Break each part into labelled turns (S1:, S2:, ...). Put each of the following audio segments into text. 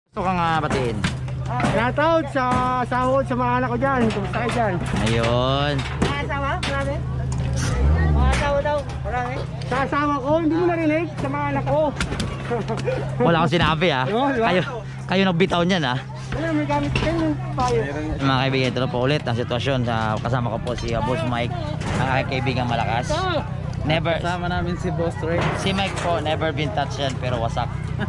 S1: Gusto ka nga batiin.
S2: Shoutout sa sahod sa mga anak ko dyan. Kumusta kayo dyan?
S1: Ayun.
S2: Mga asawa? Marami? Mga asawa daw? Marami? Sa asawa ko, hindi mo narinig sa mga anak ko.
S1: Wala akong sinabi ha.
S2: Oo, di ba?
S1: Kayo nagbitaw niyan ha.
S2: Ayun, may gamit kayo ng payo.
S1: Mga kaibigan, ito na po ulit ang sitwasyon. Kasama ko po si Boss Mike, ang aking kaibigang malakas. Never.
S3: Kasama namin si Boss Ray.
S1: Si Mike po, never been touched yan, pero wasak.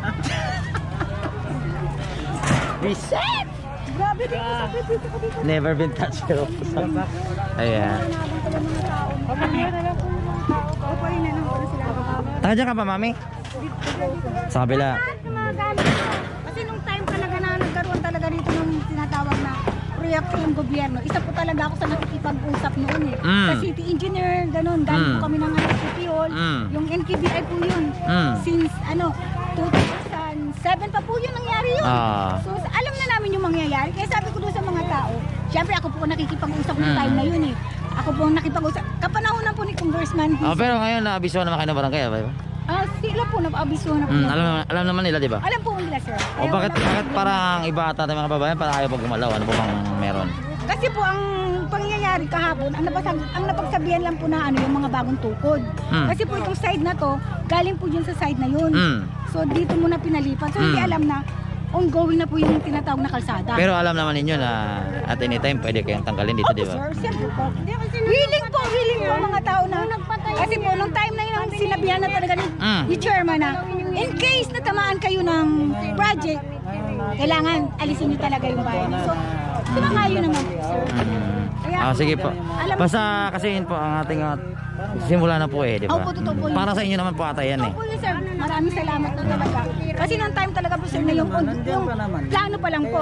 S1: Reset!
S2: Grabe din ko sa dito ko dito.
S1: Never been touched, pero wasak. Ayan.
S2: Papagyan na lang po yung mga tao. Papayin na lang po sila.
S1: Taka dyan ka pa, mami? Sa kabila.
S4: Kasi nung time talaga na nagkaroon talaga dito ng tinatawag na proyekto ng gobyerno, isa po talaga ako sa nakikipag-usap noon eh. Sa city engineer, ganun, galing po kami ng City Hall. Yung NKBI po yun. Since 2007 pa po yun nangyari yun. So alam na namin yung mangyayari. Kaya sabi ko doon sa mga tao, syempre ako po nakikipag-usap ng time na yun eh. Ako po nakipag-usap. Kapanahonan po ni Congressman.
S1: Pero ngayon, naabiso naman kayo ng barangay, ba?
S4: Sila po, nag-abiso na po.
S1: Alam naman nila, di ba?
S4: Alam po nila, sir.
S1: O bakit parang iba ata ng mga babayan para ayaw pag gumalaw? Ano po bang meron?
S4: Kasi po ang pangyayari kahapon, ang napagsabihan lang po na yung mga bagong tukod. Kasi po itong side na to, galing po yun sa side na yun. So dito muna pinalipat. So hindi alam na ongoing na po yung tinatawag na kalsada.
S1: Pero alam naman ninyo na at anytime pwede kayong tanggalin dito, di ba?
S4: Sir, siyempre po. Willing po mga tao na. Kasi po, nung time na yun, sinabihan na talaga ni chairman na, in case na tamaan kayo ng project, kailangan alisin nyo talaga yung bayan. So, sumangayo naman po, sir.
S1: Sige po. Basta kasi yun po ang ating simula na po di ba?
S4: Opo, totoo po yun.
S1: Para sa inyo naman po ata yan eh.
S4: Opo yun, sir. Maraming salamat na talaga. Kasi nung time talaga po, sir, na yung plano pa lang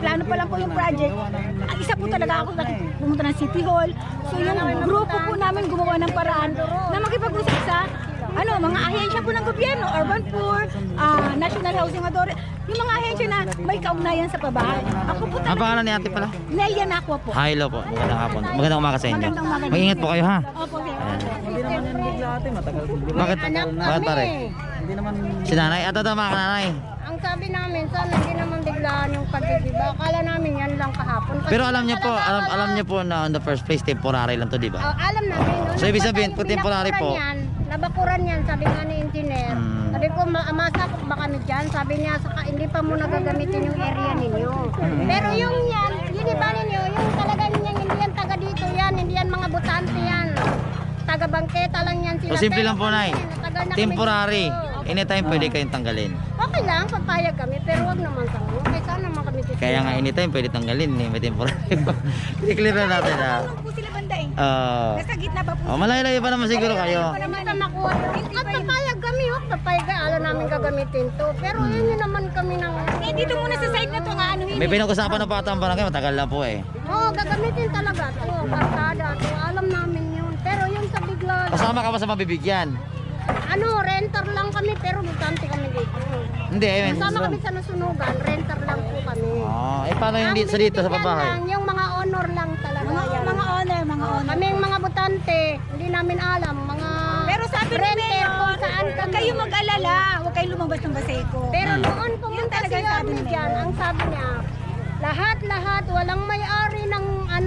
S4: po yung project. Ang isa po talaga ako pumunta ng City Hall. So yung grupo po namin gumawa ng paraan na makipag-usap sa mga ahensya po ng gobyerno, Urban Poor, National Housing Authority, yung mga ahensya na may kaugnayan sa pabahay. Ako po
S1: Ang
S4: talaga.
S1: pangalan ni ate pala?
S4: Nelia Nakwa po.
S1: Hello po. Magandang hapon. Magandang umaga sa inyo.
S4: Magandang umaga.
S1: Mag-ingat po kayo ha.
S4: Opo, sir.
S3: Hindi naman yan bigla ate, matagal siguro.
S1: Bakit? Bakit pare?
S3: Hindi naman
S1: Si nanay? Ato mga nanay.
S5: Ang sabi namin, sana hindi naman biglaan yung pagdidiba. Akala namin yan lang kahapon. Kasi
S1: Pero alam niyo po, alam niyo po na on the first place temporary lang to, di ba?
S5: alam namin. No?
S1: So, ibig sabihin, pag temporary po-
S5: Nabakuran yan, sabi nga ni engineer. Sabi ko, masakop ba kami dyan? Sabi niya, hindi pa muna gagamitin yung area ninyo. Pero yung yan, yun iba ninyo, yung talaga niyan, hindi yan taga dito yan, hindi yan mga butante yan. Taga bangketa lang yan sila.
S1: So simple
S5: Pero
S1: lang po, Nay.
S5: matagal na kami
S1: Temporary.
S5: dito.
S1: Anytime pwede kayong tanggalin.
S5: Okay lang, papayag kami, pero wag naman sa mga. Okay, saan naman kami dito?
S1: Kaya nga anytime pwede tanggalin eh. May temporary po. I-clear na natin ha.
S4: Ano po sila banda eh? Nasa gitna pa po.
S1: Malayo-layo pa naman siguro kayo.
S5: Hindi ka makuha. At papayag kami, papayag ka. Alam namin gagamitin to. Pero yun yun naman kami ng...
S4: Dito muna sa side na to nga
S1: May pinag-usapan na pa ata ang barangay. Matagal na po eh.
S5: Oo, gagamitin talaga to. Barkada to. Alam namin yun. Pero yung sa bigla...
S1: Kasama ka ba sa mabibigyan?
S5: Renter lang kami pero butante kami dito.
S1: Hindi eh.
S5: Kasama kami sa nasunugan, renter lang po kami.
S1: Paano yung sa dito sa
S5: Ang
S1: pabahay?
S5: binibigyan lang, yung mga honor lang talaga. yan.
S4: Mga honor.
S5: Kami yung mga butante, hindi namin alam. Mga
S4: Pero sabi ni
S5: renter
S4: Mayor,
S5: kung saan
S4: huwag
S5: kami.
S4: kayo mag-alala, huwag kayo lumabas ng Baseco.
S5: Pero noon pumunta
S4: talaga
S5: si
S4: ang sabi
S5: Yorme
S4: ni
S5: dyan, ang sabi niya, lahat, walang may-ari ng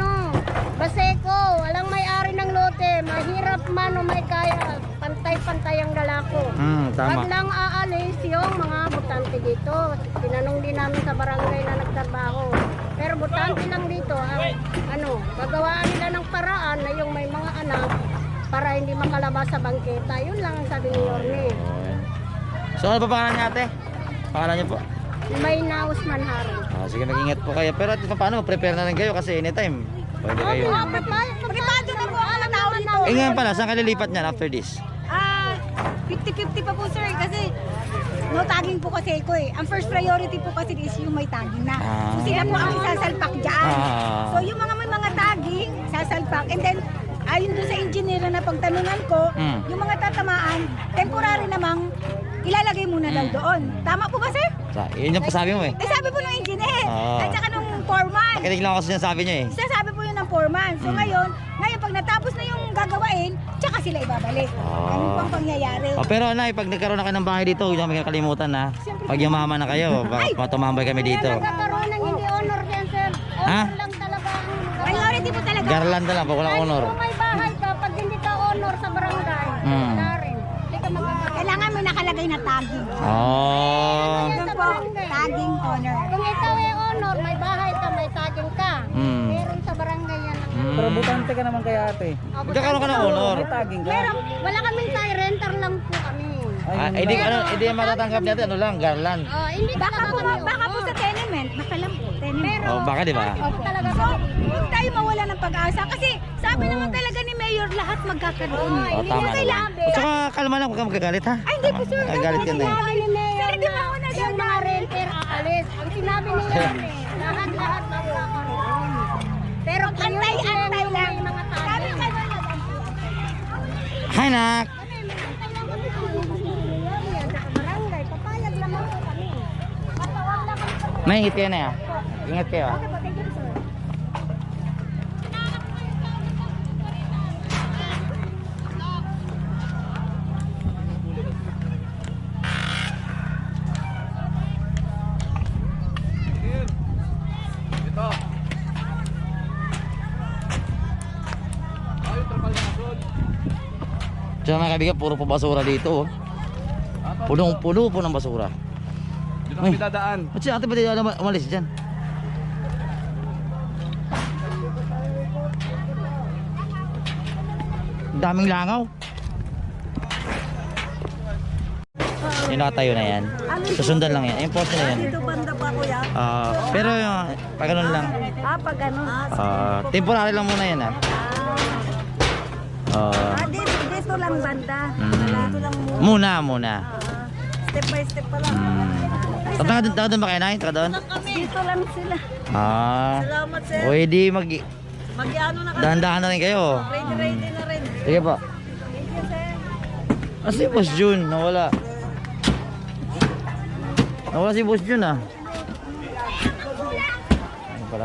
S5: Baseco, walang may-ari ng lote, mahirap man o may kaya, pantay-pantay ang dalako.
S1: Tama.
S5: Wag lang aalis yung mga butante dito. Tinanong din namin sa barangay na nagtrabaho. Pero butante lang dito, gagawaan nila ng paraan na yung may mga anak para hindi makalabas sa bangketa. Yun lang ang sabi ni Yorme.
S1: So ano pa pangalan niya ate? Pangalan niyo po?
S5: May naus manharin.
S1: Sige, mag-ingat po kayo. Pero paano, prepare na rin kayo kasi anytime pwede kayo.
S4: Privado na po ang tao dito.
S1: Ngayon pala, saan ka lilipat niyan after this?
S4: 50-50 pa po sir kasi no tagging po kasi ko eh. Ang first priority po kasi is yung may tagging na. So sila po ang isasalpak dyan. So yung may mga tagging, sasalpak. And then ayon doon sa engineer na pagtanungan ko, yung mga tatamaan, temporary namang ilalagay muna daw doon. Tama po ba sir?
S1: Yun yung pasabi mo eh.
S4: Sabi po ng engineer. At saka nung foreman.
S1: Pakinig lang ako sa sinasabi niyo eh.
S4: Sasabi po yun ng foreman. So ngayon Ngayon, pag natapos na yung gagawain, tsaka sila ibabalik. Ano pang pangyayari?
S1: Oh, pero Nay, pag nagkaroon na kayo ng bahay dito, huwag namin kakalimutan ha. Pag yumaman na kayo, tumambay kami dito.
S5: Nagkakaroon ng hindi honor yan, sir.
S1: Ha?
S5: Honor lang talaga ang
S4: Priority po talaga.
S1: Garland na lang, pag walang honor.
S5: Kung may bahay ka, pag hindi ka honor sa barangay, wala rin. Hindi ka magkakaroon.
S4: Kailangan may nakalagay na tagging.
S1: Oh.
S4: Yun po, tagging honor.
S5: Kung ikaw ay honor, may bahay ka, may saging ka. Meron sa barangay yan.
S3: Pero butante ka naman kaya ate.
S1: Magkakaroon ka ng honor.
S3: May tagging ka.
S5: Meron, wala kaming tayo, renter lang po kami.
S1: Hindi matatanggap natin, ano lang, Garland.
S5: Hindi
S4: Baka po sa tenement, baka lang po, tenement.
S1: Oh, baka di ba?
S5: talaga
S4: So, huwag tayo mawala ng pag-asa kasi sabi naman talaga ni Mayor lahat magkakaroon.
S1: Oh, tama naman. At saka kalma lang, huwag kang magkagalit ha.
S4: Ay, hindi po sir.
S1: Nagagalit ka na eh.
S5: Sinabi ni Mayor
S4: Sir, di ba ako
S5: na yung mga renter aalis. Ang sinabi niya lahat magkakaroon. Pero
S4: Antay-antay lang.
S5: mga
S4: Sabi
S5: tayo.
S4: ka na
S1: Hi, nak.
S5: Barangay, papayag lamang po kami. Patawag lang kami.
S1: May ingat kayo na ya. Ingat kayo ha. Diyan mga kaibigan, puro po basura dito. Punong-puno po ng basura.
S6: Dito kami dadaan.
S1: At si ate ba di umalis dyan? Daming langaw. Yung nakatayo na yan. Susundan lang yan. Yung poste na yan.
S4: Dito banda pa kuya.
S1: Pero yung pag ganun lang.
S4: Pag ano?
S1: Temporary lang muna yan ha.
S4: Dito lang banda.
S1: Muna.
S4: Step by step pa lang.
S1: Taka doon ba kayo, Nay? Taka doon?
S4: Dito lang sila. Salamat sir.
S1: Pwede
S4: Mag-ano na
S1: dahan-dahan na rin kayo.
S4: ready na rin.
S1: Sige po. Si Boss Jun, nawala. Nawala si Boss Jun ah. Ano pala?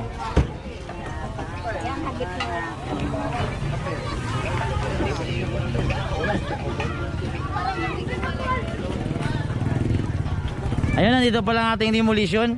S1: Ayun, nandito pala ang ating demolition.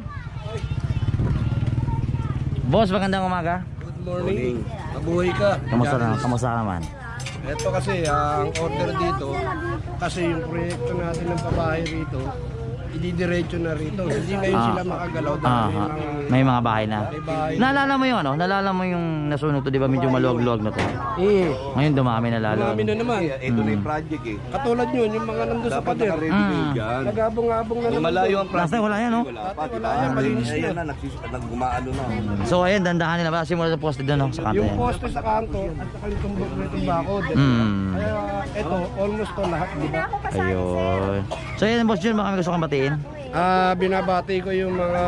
S1: Boss, magandang umaga.
S6: Good morning. Mabuhay ka.
S1: Kamusta naman?
S6: Ito kasi ang order dito, kasi yung proyekto natin ng pabahay rito, ididiretso na rito. Hindi ngayon sila makagalaw dahil
S1: May mga bahay na.
S6: may bahay.
S1: Naalala mo yung ano? Naalala mo yung nasunog to, di ba? Medyo maluwag-luwag na to. Ngayon dumami na lalo.
S6: Marami na naman.
S7: Ito na yung project eh.
S6: Katulad yun, yung mga nandun sa
S7: Dapat
S6: pader.
S7: naka-ready na yun dyan.
S6: Nagabong-abong na
S7: Yung
S6: naman.
S7: malayo ang
S1: Last
S7: project.
S1: time wala yan, no?
S7: Wala pa, di
S6: Wala
S7: ba?
S6: yan, malinis
S7: Ayan
S6: na.
S7: na, naggumaano na.
S1: So ayun, dandahan nila ba? Simula sa poste doon, no? Sa kanto
S6: Yung
S1: yan.
S6: poste sa kanto at saka yung tumbok na itong bakod. Kaya ito, almost to lahat, di ba?
S1: Ayun. So ayun, Boss Jun, baka may gusto kang batiin?
S6: Binabati ko yung mga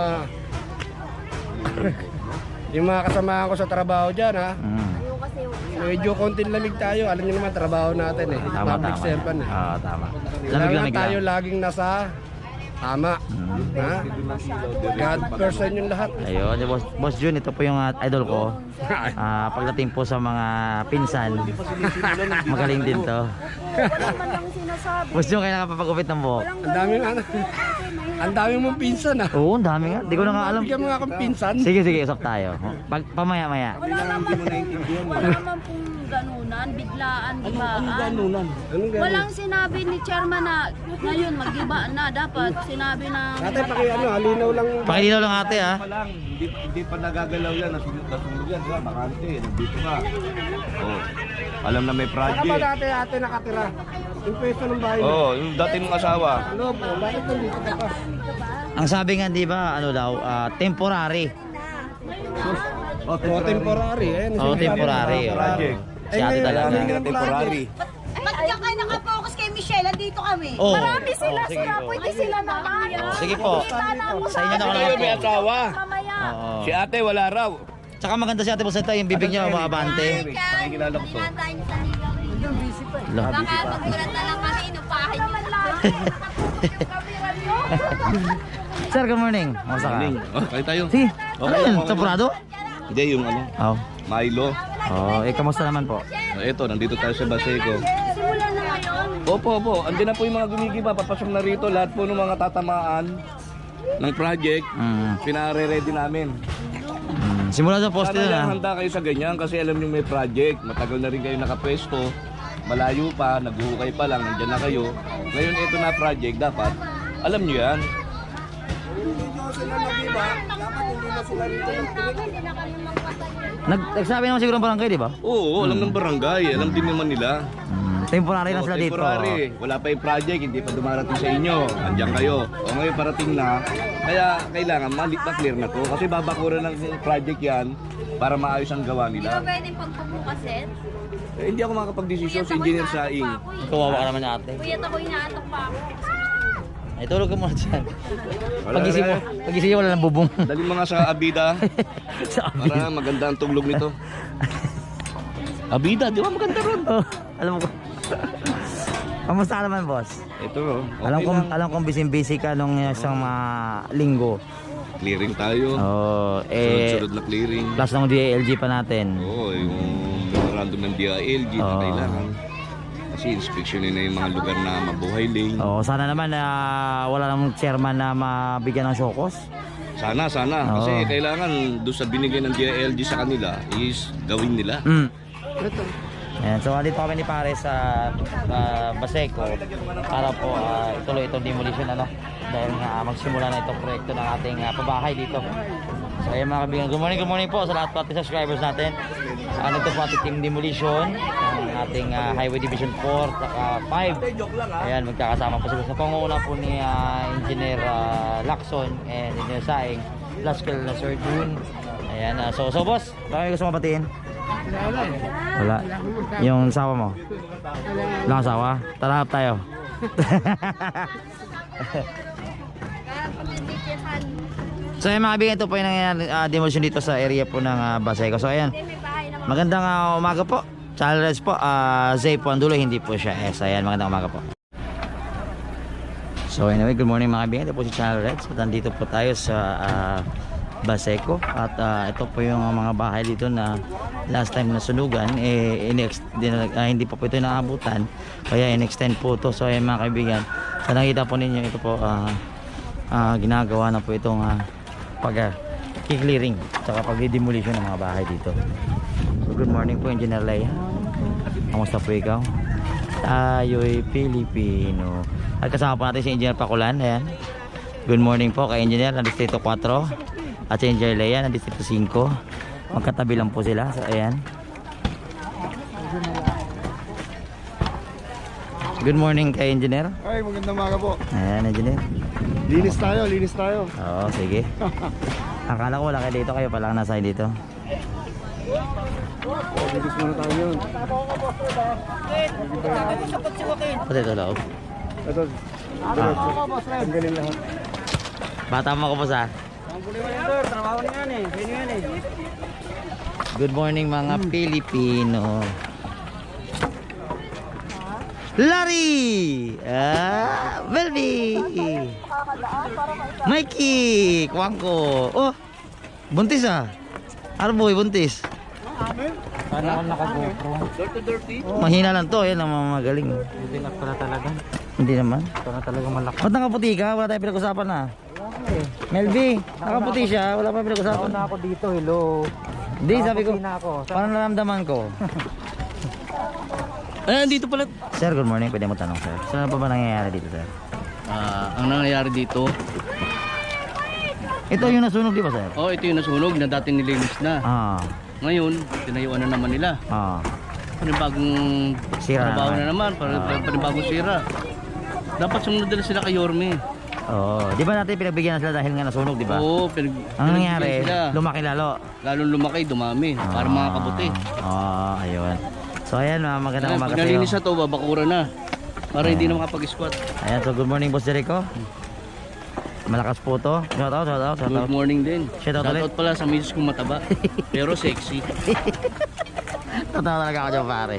S6: yung mga kasamahan ko sa trabaho dyan ha. Medyo konting lamig tayo. Alam niyo naman trabaho natin eh.
S1: Tama.
S6: Public servant eh.
S1: Tama.
S6: Kailangan
S1: Lamig-lamig
S6: tayo
S1: lang.
S6: laging nasa tama. Ha? God person yung lahat.
S1: Ayun, Boss Jun, ito po yung idol ko. Pagdating po sa mga pinsan, magaling din to. Boss Jun, kailangan papagupit ng buhok.
S6: Ang dami mong pinsan ha.
S1: Oo, ang dami nga. Di ko na nga alam.
S6: Bigyan mo nga akong pinsan.
S1: Sige, usap tayo. Pamaya-maya.
S8: Wala naman pong ganunan, biglaan, gibaan.
S6: Anong ganun?
S8: Walang sinabi ni chairman na ngayon mag-iba na. Dapat sinabi na
S6: Ate, halinaw lang.
S1: Pakilinaw lang ate ha.
S7: Pa lang, hindi pa nagagalaw yan. Nasunog yan, di ba? Makante, nandito ka. Oh, alam na may
S6: Saka ba
S7: project.
S6: dati ate nakatira? Yung pwesto ng bahay mo.
S7: Oh, yung dati mong asawa.
S6: Ano po? Bakit nandito ka pa?
S1: Ang sabi nga, di ba, ano daw, temporary.
S6: Oh, temporary. Ayan,
S1: Temporary.
S7: Project.
S1: Si ate talaga.
S7: Hindi na temporary.
S4: Ba't diyan kayo nakapokus kay Michelle? Andito kami.
S1: Oh.
S4: Marami sila,
S1: Oh, sige,
S4: sila.
S1: oh.
S4: Pwede sila naman.
S1: Sige po. Sa inyo na ako
S7: Kayo may
S1: lang.
S7: asawa.
S4: Mamaya.
S1: Oo.
S7: Si ate wala raw.
S1: Tsaka maganda si ate Boseta, yung bibig niya umaabante.
S7: Nakikilala ko to.
S1: Lah.
S5: Baka magkulat na lang kami, inupahin nyo na lang.
S1: Sir, good morning. Kamusta ka?
S7: Oh, kayo tayo.
S1: Sige.
S7: Okay
S1: Ano yun?
S7: lang.
S1: Temporado?
S7: Hindi, yung ano,
S1: Oh.
S7: Milo.
S1: Oh, kamusta naman po?
S7: Ito, nandito tayo sa Baseco.
S5: Simula na ngayon.
S7: Opo. Andiyan na po yung mga gumigiba. Papasok na rito. Lahat po ng mga tatamaan ng project, pinare-ready namin.
S1: Simula sa poste
S7: Sana
S1: na.
S7: lang handa kayo sa ganyan kasi alam niyo may project. Matagal na rin kayo nakapwesto. Malayo pa, naghuhukay pa lang, nandyan na kayo. Ngayon ito na project, dapat alam niyo yan.
S1: Nagsabi naman siguro ng barangay, di ba?
S7: Oo, alam ng barangay, alam din naman nila.
S1: Temporary lang
S7: Oo,
S1: sila dito.
S7: temporary. Wala pa yung project, hindi pa dumarating sa inyo. Andiyan kayo. O ngayon parating na. Kaya kailangan ma-clear na to. Kasi babakuran ng project yan para maayos ang gawa nila.
S8: Pwedeng pagpupukasin.
S7: Hindi ako makakapag-desisyon sa engineer Saing.
S1: Kawawa ka naman ate.
S8: Kuya, ako inaatok pa ako.
S1: Ay, tulog ka muna dyan.
S7: Wala
S1: Pagising mo, wala nang bubong.
S7: Dali mga sa Abida
S1: Sa
S7: para maganda ang tuglog nito. Abida, di ba maganda ron?
S1: Oh, alam mo ko. Kamusta ka naman, boss?
S7: Ito, okay
S1: Alam kong busy ka nung isang mga linggo.
S7: Clearing tayo.
S1: Oh,
S7: Sunod-sunod na clearing.
S1: plus ng DILG pa natin.
S7: Oo, yung memorandum ng DILG na
S1: Oo.
S7: kailangan. Kasi inspeksyonin na yung mga lugar na mabuhay lane.
S1: Oh, sana naman wala namang chairman na mabigyan ng shokos.
S7: Sana. Kasi
S1: Oo.
S7: kailangan doon sa binigay ng DILG sa kanila is gawin nila.
S1: Ayan, so dito kami ni Pare sa Baseco para po ituloy itong demolition dahil nga magsimula na itong proyekto ng ating pabahay dito. So ayan mga kaibigan, good morning po sa lahat po ating subscribers natin. Ito po ating team demolition ng ating Highway Division 4 at 5. Ayan, magkakasama po sila sa pangunguna po ni Engineer Lacson and Engineer Saing plus na Sir June. Ayan, so boss, baka may gusto mabatiin? Wala. Yung asawa mo? Wala kang asawa? Tara hap tayo. So ayan mga kaibigan, ito po yung demolition dito sa area po ng Baseco. So ayan, magandang umaga po. Charles po, Zay po ang dulo, hindi po siya S. Ayan, magandang umaga po. So anyway, good morning mga kaibigan. Ito po si Charles. At nandito po tayo sa Baseco. At ito po yung mga bahay dito na last time na sunugan. Hindi po ito naabutan. Kaya in-extend po ito. So ayan mga kaibigan. So nakita po ninyo, ito po ginagawa na po itong pag-clearing saka pag-demolition ng mga bahay dito. So good morning po Engineer Leia. Kamusta po ikaw? Tayo'y Pilipino. At kasama po natin si Engineer Pakulan. Ayan. Good morning po kay Engineer ng Distrito 4 at si Engineer Leia ng Distrito 5. Magkatabi lang po sila. So ayan. Good morning kay Engineer.
S6: Ay, magandang umaga po.
S1: Ayan, Engineer.
S6: Linis tayo.
S1: Oo, sige. Akala ko wala kayo dito, kayo pala nasa dito.
S6: Linis muna tayo yun.
S1: Pati ito loob.
S6: Ito. Tanggalin lahat.
S1: Bata mo ko po sa. Good morning mga Pilipino. Larry! Belby! Mikey! Kwangko! Oh! Buntis Arboy, buntis.
S3: Sana ako naka-GoPro.
S1: Mahina lang to, yan ang mga magaling.
S3: Hindi na pala talaga.
S1: Hindi naman.
S3: Ito na talaga malaki.
S1: Ba't nakaputi ka? Wala tayong pinag-usapan na. Melby, nakaputi siya, wala pa pinag-usapan.
S3: Na ako dito, hello.
S1: Hindi, sabi ko,
S3: Na ako.
S1: parang naramdaman ko.
S7: Dito pala.
S1: Sir, good morning. Pwede mo tanong, sir. Saan pa ba nangyayari dito, sir?
S9: Ang nangyayari dito,
S1: Ito yung nasunog, di ba, sir?
S9: ito yung nasunog na dati nilinis na. Ngayon, tinayuan na naman nila. Panibagong
S1: Sira
S9: trabaho
S1: naman.
S9: na naman, panibagong sira. Dapat sumunod nila sila kay Yorme.
S1: Oo. Di ba natin pinagbigyan na sila dahil nga nasunog, di ba?
S9: Oo,
S1: Ang nangyari,
S9: sila.
S1: lumaki lalo.
S9: Lalong lumaki, dumami, para mga kabuti.
S1: Ayun. So, ayan, magandang umaga
S9: Pag nalinis na to, babakura na. Para hindi na makapag-squat.
S1: Ayan, so good morning, Boss Jericho. Malakas po to. Shout out.
S9: Good morning din.
S1: Shout out ulit.
S9: Shoutout pala sa misis kong mataba. Pero sexy.
S1: Totoo talaga ako dyan, pare.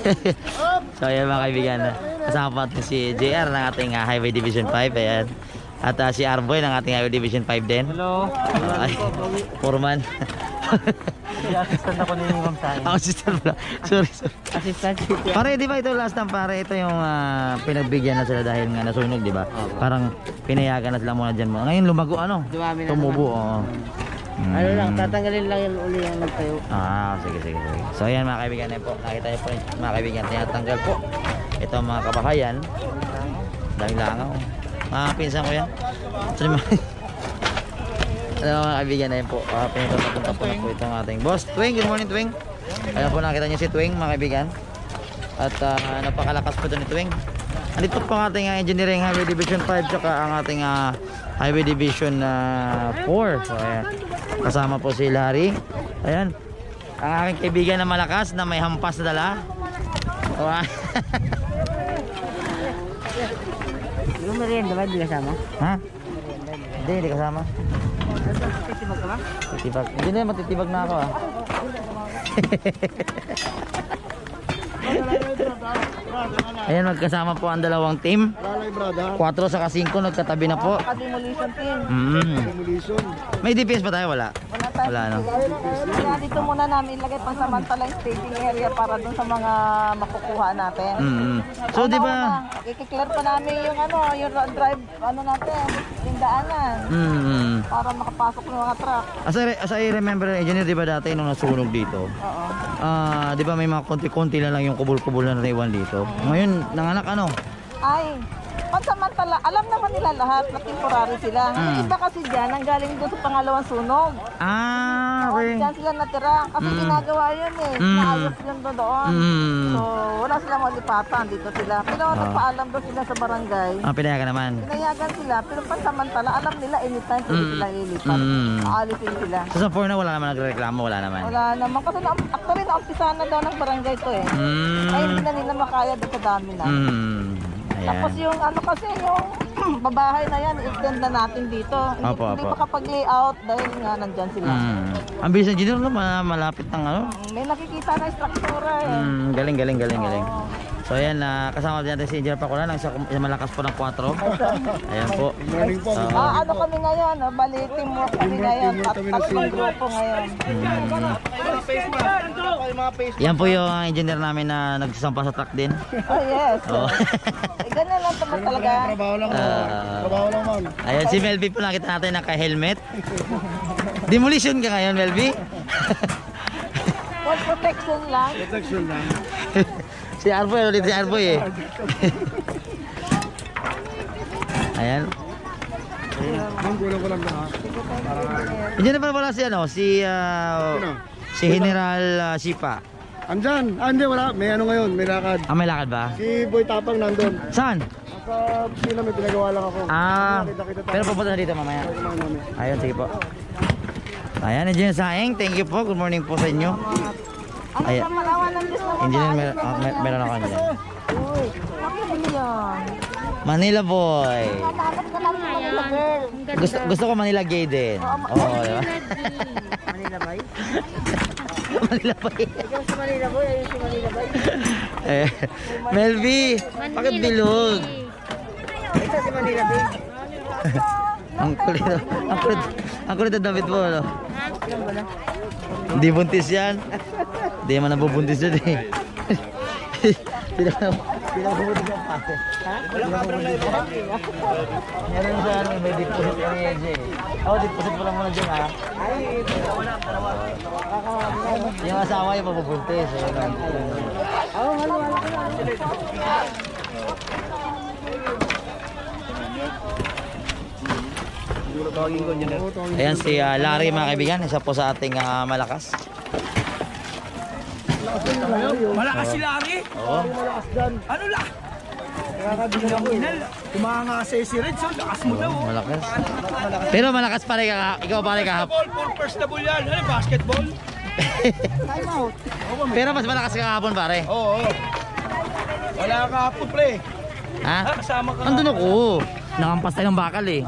S1: So ayan mga kaibigan, kasama po natin si JR ng ating Highway Division 5. Ayan. At si Arboy ng ating Highway Division 5 din.
S3: Hello.
S1: Ay, foreman.
S3: Assistant ako ni Ma'am Sain.
S1: Ako sister pala. Sorry.
S3: Assistant.
S1: Pare, di ba ito last time pare, ito yung pinagbigyan na sila dahil nga nasunog, di ba? Parang pinayagan na sila muna dyan mo. Ngayon lumago ano?
S3: Dumami na
S1: Tumubo, oo.
S3: Ano lang, tatanggalin lang yung uli yung nagtayo.
S1: Sige. So ayan mga kaibigan, yan po. Nakita niyo po mga kaibigan, tinatanggal po. Ito ang mga kabahayan. Dahil langaw. Mga pinsan ko yan. Sorry mga mga kaibigan na yun po. Pinagpapunta po na po itong ating boss. Twing, good morning Twing. Ayan po, nakita niyo si Twing mga kaibigan. At napakalakas po ito ni Twing. Andito po ang ating Engineering Highway Division 5 tsaka ang ating Highway Division 4. So ayan. Kasama po si Larry. Ayan. Ang aking kaibigan na malakas na may hampas na dala. Wow.
S3: Yung merienda ba, di kasama?
S1: Ha? Hindi kasama.
S3: Titibag ka ba?
S1: Titibag. Hindi na, matitibag na ako Ayan, magkasama po ang dalawang team. 4 sa 5 nagkatabi na po.
S3: Demolition team.
S1: May DPS pa tayo? Wala. Wala no.
S3: Kaya dito muna namin ilagay pansamantala yung staging area para dun sa mga makukuha natin.
S1: So di ba?
S3: I-clear pa namin yung yung drive natin, yung daanan. Para makapasok ng mga truck.
S1: As I remember, engineer, di ba dati nung nasunog dito?
S3: Oo.
S1: Di ba may mga konti-konti na lang yung kubul-kubul na naiwan dito? Ngayon, nanganak ano?
S3: Ay, pansamantala, alam naman nila lahat na temporary sila. Yung iba kasi dyan, ang galing doon sa pangalawang sunog.
S1: Okay.
S3: Diyan sila natira. Kasi ginagawa yun eh. Naayos yun doon. So, wala silang malipatan. Dito sila. Pero nagpaalam doon sila sa barangay.
S1: Pinayagan naman.
S3: Pinayagan sila. Pero pansamantala, alam nila anytime pwede sila ilipat. Aalisin sila.
S1: So sa 4 na wala naman nagreklamo, wala naman.
S3: Wala naman. Kasi actually, naumpisa na daw ng barangay to eh. Ay, hindi na nila makaya doon sa dami na. Tapos yung kasi yung babahay na yan, extend na natin dito. Hindi pa kapag-layout dahil nga nandyan sila.
S1: Ang bilis engineer no, malapit ng
S3: May nakikita na struktura eh.
S1: Galing. So ayan, kasama din natin si Engineer Paculan, ang isa malakas po ng 4. Ayan po.
S3: Ano kami ngayon? Bali, teamwork kami ngayon. Tatlong grupo ngayon.
S1: Yan po yung engineer namin na nagsasampa sa truck din.
S3: Oh yes. Ganyan lang naman talaga.
S6: Trabaho lang man.
S1: Ayan, si Melby po nakita natin naka-helmet. Demolition ka ngayon, Melby?
S3: For protection lang.
S1: Si Arboy, ulit si Arboy eh. Ayan.
S6: Kulang ko lang na.
S1: Hindi na pala si General Sipa.
S6: Andyan. Hindi, wala. May ngayon. May lakad.
S1: May lakad ba?
S6: Si Boy Tapang nandun.
S1: Saan?
S6: Sa Pina may pinagawa lang ako.
S1: Pero pupunta na dito mamaya. Ayun, sige po. Ayan, Engineer Saeng, thank you po. Good morning po sa inyo. Ayan. Engineer, meron ako dyan. Manila boy. Gusto ko Manila gay din. Oo, diba?
S3: Manila boy?
S1: Manila boy.
S3: Ikaw si Manila boy, ayun si Manila boy.
S1: Melby, bakit bilog?
S3: Ito si Manila boy.
S1: Ang kulit na damit mo, ano? Hindi buntis yan. Hindi naman nabubuntis yan eh. Pinabubuntis yung pate. Meron siya may deposit yung EJ. Deposit mo lang muna dyan ha. Yung asawa yung mabubuntis. Ayan si Larry mga kaibigan, isa po sa ating malakas.
S2: Malakas si Larry?
S1: Oo.
S2: Ano lang? Kumakasay si Red, so lakas mo daw.
S1: Malakas. Pero malakas pa rin ka, ikaw pa rin kahapon.
S2: Basketball, first na ball yan. Ano, basketball?
S1: Pero mas malakas ka kahapon pare.
S2: Oo. Wala ka hapon, pre.
S1: Ha?
S2: Kasama ka.
S1: Andun ako. Nakampas tayo ng bakal eh.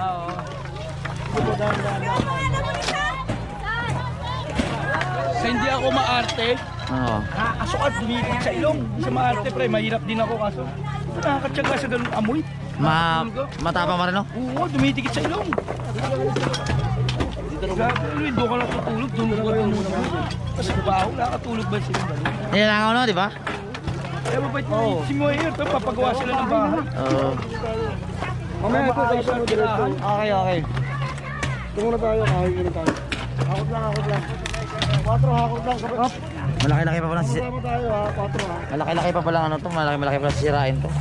S2: Sa hindi ako maarte,
S1: Oo.
S2: nakakasukat, lumipit sa ilong. Sa maarte, pre, mahirap din ako kaso. Nakakatsaga sa ganun amoy.
S1: Matapang pa rin, no?
S9: Oo, dumitikit sa ilong. Doon ka lang tutulog, doon ka lang tutulog. Kasi baho, nakatulog ba sila?
S1: Nilangaw, no, di ba?
S9: Kaya mabait mo si Moyer, papagawa sila ng bahay.
S1: Oo.
S6: Mamaya ito tayo sa diretso.
S1: Okay.
S6: Ito muna tayo, kahit muna tayo. Hakot lang. 4 hakot lang. Op.
S1: Malaki-laki pa pala
S6: Sama tayo ha, 4 ha.
S1: Malaki-laki pa pala ano to, malaki pa sisirain to.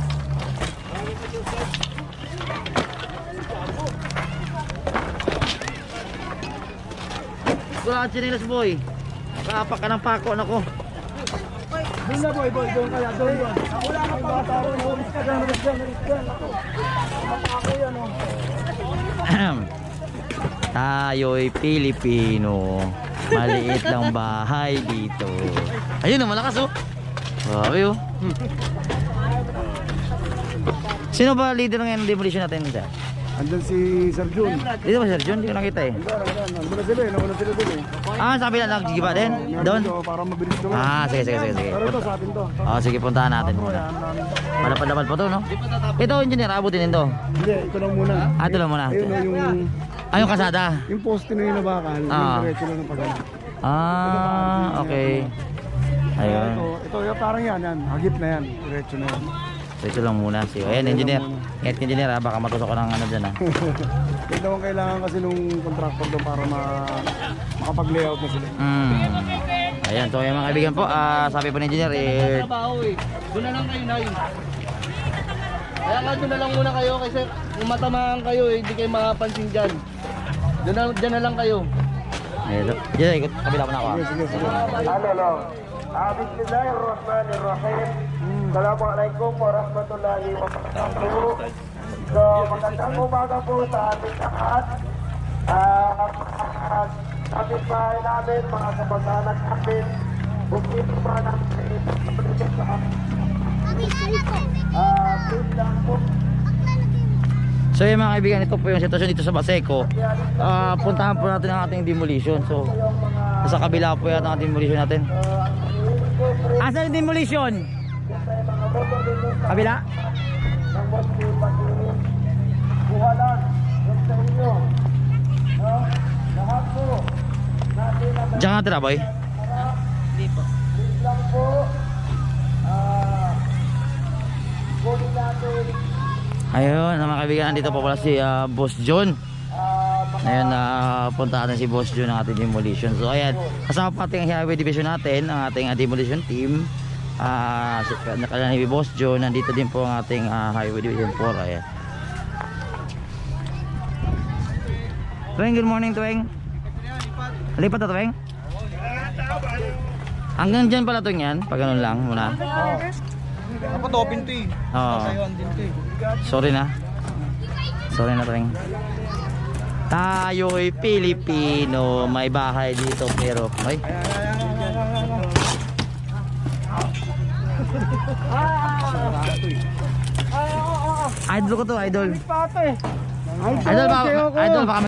S1: Wala chinelas boy. Nakaapak ka ng pako nako.
S6: Doon na boy, doon kaya, doon. Wala ka pa tao, ulis ka dyan. Ako yan o.
S1: Tayo'y Pilipino. Maliit lang bahay dito. Ayun, malakas oh. Grabe oh. Sino ba leader ng demolition natin dyan?
S6: Andun si Sir Jun.
S1: Dito ba Sir John? Hindi ko nakita eh.
S6: Andun na sila eh, nauna sila doon eh.
S1: Ah, sabi na nagjigiba din? Doon?
S6: Para mabilis doon.
S1: Ah, sige.
S6: Pero ito sa atin to.
S1: Sige, puntahan natin muna. Malapad-lapad pa to, no? Ito, engineer, abutin din to.
S6: Hindi, ito lang muna.
S1: Ah, ito lang muna.
S6: Ayun o,
S1: Yung kasada.
S6: yung poste na yun na bakal, yung diretso lang ng pagano.
S1: Ah, okay. Ayun.
S6: Ito, parang yan, hagip na yan, diretso na yan.
S1: So, ito lang muna. Sige, ayan, engineer. Ingat engineer, ha? Baka matusok ko ng ano dyan, ha?
S6: Ito ang kailangan kasi nung contractor doon para makapag-layout na sila.
S1: Ayan, so yung mga kaibigan po, sabi po ng engineer,
S9: Doon na lang kayo, Nay. Kaya nga doon na lang muna kayo kasi kung matamaan kayo, hindi kayo makapansin dyan. Dyan na lang kayo.
S1: Ayun, dyan, ikot, kabila mo na ako.
S6: Sige.
S2: Bismillahirrahmanirrahim. Assalamualaikum warahmatullahi wabarakatuh. So, magandang umaga po sa ating lahat. Kapit bahay namin, mga kamag-anak namin. Bukit pa namin sa lang po.
S1: So yung mga kaibigan, ito po yung sitwasyon dito sa Baseco. Puntahan po natin ang ating demolition. So, sa kabila po yata ang demolition natin. Asan yung demolition? Kabila? Diyan ka tira, boy?
S9: Hindi po.
S1: Ayun, mga kaibigan, nandito po pala si Boss John. Ayun, punta natin si Boss John ng ating demolition. So ayan, kasama pa ating highway division natin, ang ating demolition team. Si Boss John, nandito din po ang ating highway division 4. Ayan. Tuwing, good morning Tuwing. Lipat na Tuwing. Hanggang dyan pala Tuwing yan, pag ganun lang muna.
S6: Dapat open to eh. Tatayuan din to eh.
S1: Sorry na Tuwing. Tayo'y Pilipino, may bahay dito pero ay. Idol ko to, idol. Idol baka